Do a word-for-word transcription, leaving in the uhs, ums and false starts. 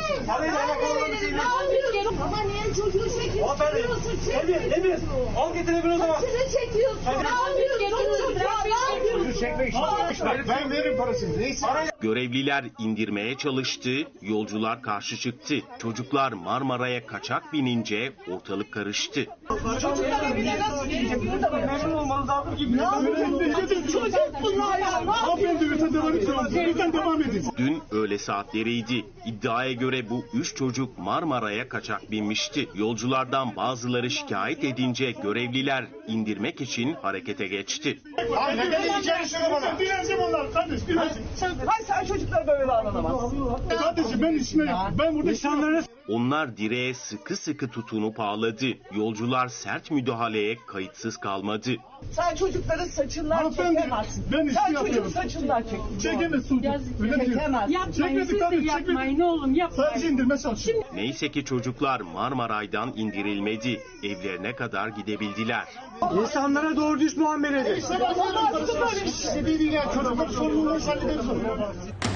Parayla alakalı bir şey yok. Ama niye çocuğu çekiyorsun? Çekiyorsun, çekiyorsun. Emir, Emir. Al getir Emir o zaman. Saçını çekiyorsun. Ne yapıyorsun? Çocuğu çekmek için. Ben veririm parasını. Neyse. Görevliler indirmeye çalıştı, yolcular karşı çıktı. Çocuklar Marmara'ya kaçak binince ortalık karıştı. Çocuklar bile nasıl geliyor da Memnun olmanız lazım ki. Ne yapıyorsun? Çocuk bunlar ya. Lütfen devam edin. Dün öğle saatleriydi. İddiaya göre bu üç çocuk Marmara'ya kaçak binmişti. Yolculardan bazıları şikayet edince görevliler indirmek için harekete geçti. Abi neden içeri sürü bana? Dileneceğim onlar kardeş, dileneceğim. Hayır sen çocuklar böyle davranamazsın. Kardeşim ben işime yaptım. Ben burada insanlara... Onlar direğe sıkı sıkı tutunup ağladı. Yolcular sert müdahaleye kayıtsız kalmadı. Sen çocukların saçından Hanımefendi, çekemezsin. ben işimi Sen yapıyorum. çocuğun saçından çek. Çekemez Sultan. Öyle mi diyor? Çekemez. Yapmayın, siz de kardeşim, yapmayın oğlum, yapmayın. Sadece indirme çalışıyorum. Neyse ki çocuklar Marmaray'dan indirilmedi. Evlerine kadar gidebildiler. İnsanlara doğru düz muamele edin. İşte bak, İşte değil ya. Çocuklar sorumluluğunu hallederiz.